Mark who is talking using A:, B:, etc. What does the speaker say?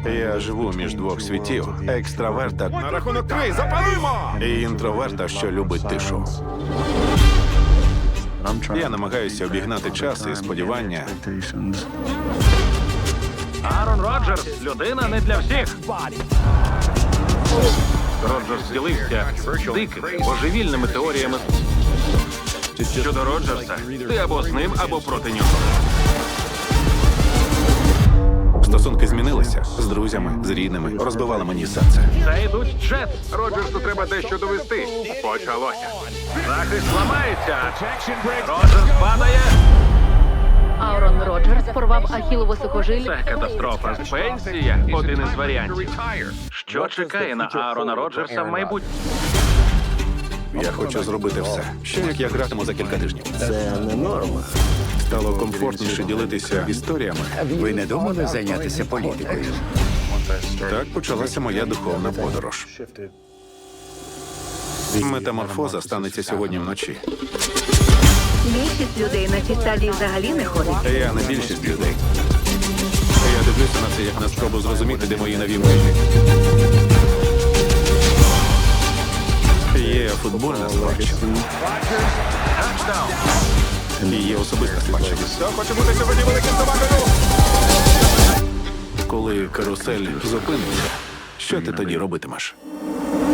A: Я живу між двох світів: екстраверта
B: На рахунок 3, запалимо!
A: і інтроверта, що любить тишу. Я намагаюся обігнати час і сподівання.
C: Аарон Роджерс – людина не для всіх. Роджерс ділився дикими, божевільними теоріями. Щодо Роджерса, ти або з ним, або проти нього.
A: Стосунки змінилися з друзями, з рідними. Розбивали мені серце.
C: Та йдуть Джет. Роджерсу треба дещо довести. Почалося. Захист ламається. Роджерс падає.
D: Аарон Роджерс порвав ахілову сухожиль.
C: Це катастрофа. Пенсія – один із варіантів. Що чекає на Аарона Роджерса в майбутньому?
A: Я хочу зробити все. Ще як я гратиму за кілька тижнів.
E: Це не норма.
A: Стало комфортніше ділитися історіями.
E: Ви не думали зайнятися політикою?
A: Так почалася моя духовна подорож. Метаморфоза станеться сьогодні вночі.
D: Більшість людей на цій стадії взагалі не ходить.
A: Я не більшість людей. Я дивлюся на це як на спробу зрозуміти, де мої нові межі. Є футбольна спадщина. І є особиста спадщина.
B: Хто хоче бути сьогодні великим собакою?
A: Коли карусель зупиниться, що ти тоді робитимеш?